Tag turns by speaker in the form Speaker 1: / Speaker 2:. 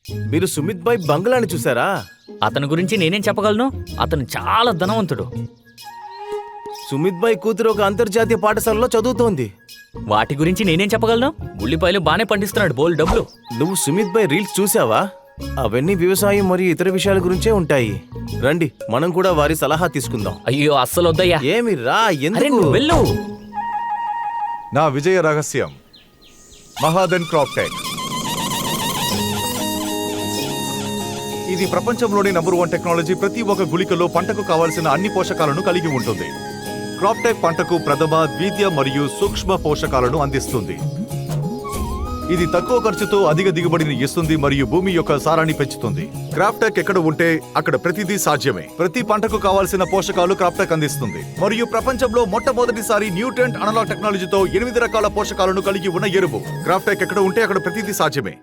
Speaker 1: మీరు సుమిత్ భాయ్ బంగ్లాని చూసారా?
Speaker 2: అతని గురించి నేనేం చెప్పగలను? అతను చాలా ధనవంతుడు.
Speaker 1: సుమిత్ భాయ్ కూతురు ఒక అంతర్జాతీయ పాఠశాలలో చదువుతోంది.
Speaker 2: వాటి గురించి నేనేం చెప్పగలను? ఉల్లిపాయలు బానే పండిస్తున్నాడు, బోల్ డబ్బులు.
Speaker 1: నువ్వు సుమిత్ భాయ్ రీల్స్ చూసావా? అవన్నీ వ్యవసాయం మరియు ఇతర విషయాల గురించే ఉంటాయి. రండి, మనం కూడా వారి సలహా తీసుకుందాం.
Speaker 2: అయ్యో అస్సలు వద్దయ్యా.
Speaker 1: ఏమి రా,
Speaker 2: అరే
Speaker 1: ఎందుకు?
Speaker 2: నువ్వు వెళ్ళు.
Speaker 3: నా విజయ రహస్యం మహాదన్ క్రాప్టెక్. ఇది ప్రపంచంలోని నంబర్ 1 టెక్నాలజీ. ప్రతి ఒక్క గుళికలో పంటకు కావాల్సిన అన్ని పోషకాలను కలిగి ఉంటుంది. క్రాప్టెక్ పంటకు ప్రథమ, ద్వితీయ మరియు సూక్ష్మ పోషకాలను అందిస్తుంది. ఇది తక్కువ ఖర్చుతో అధిక దిగుబడిని ఇస్తుంది మరియు భూమి యొక్క సారాన్ని పెంచుతుంది. క్రాప్టెక్ ఎక్కడ ఉంటే అక్కడ ప్రతిదీ సాధ్యమే. ప్రతి పంటకు కావాల్సిన పోషకాలు క్రాప్టెక్ అందిస్తుంది. మరియు ప్రపంచంలో మొట్టమొదటిసారి న్యూట్రెంట్ అనలాగ్ టెక్నాలజీతో 8 రకాల పోషకాలను కలిగి ఉన్న ఎరువు. క్రాప్టెక్ ఎక్కడ ఉంటే అక్కడ ప్రతిదీ సాధ్యమే.